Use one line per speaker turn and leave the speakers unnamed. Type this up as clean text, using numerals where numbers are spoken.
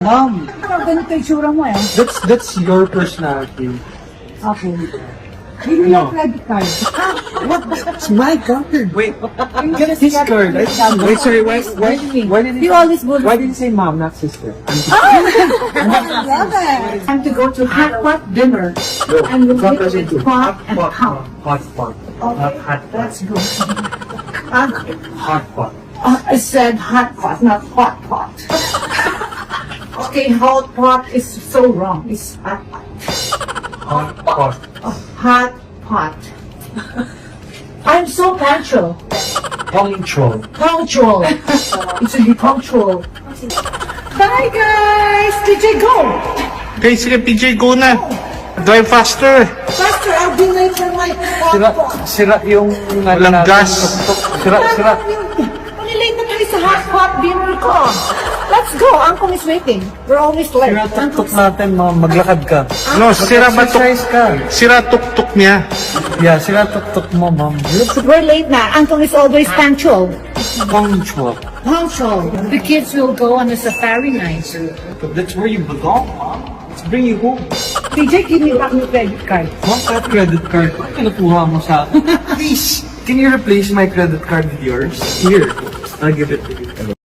Mom,
Ganito yung tsura mo eh.
that's your personality.
Okay. Give me your credit card.
What? It's my card. Wait,
Get
his card. Wait, sorry. Why did
You always bully.
Why did you say mom, not sister?
I love it. Time to go to hot pot dinner. And we'll
Hot
make it pot and count.
Hot pot. Not hot pot.
Let's go.
Hot pot.
I said hot pot, not hot pot. Okay, hot pot is so wrong. It's hot pot.
Hot pot.
Hot pot. I'm so punctual.
Punctual.
Punctual. It should be punctual. Bye guys! DJ go!
Okay, sige PJ, go na. Drive faster.
Faster, I'll be late for my hot
Sira,
pot.
sira yung...
Walang gas.
Sira.
Malilate na tayo sa hot pot dinner ko. Let's go, Uncle is waiting. We're always late.
Sira tuk-tuk natin, mom. Maglakad ka.
No, sira ba
Exercise ka.
Sira tuk-tuk niya.
Yeah, sira tuk-tuk mo, mom.
We're late na. Uncle is always punctual.
Punctual.
Punctual. The kids will go on a safari night.
But that's where you belong, mom. Let's bring you home.
DJ, give me back your credit card.
Mom, that credit card, bakit kinukuha mo sa akin? Please, can you replace my credit card with yours? Here, I'll give it to you.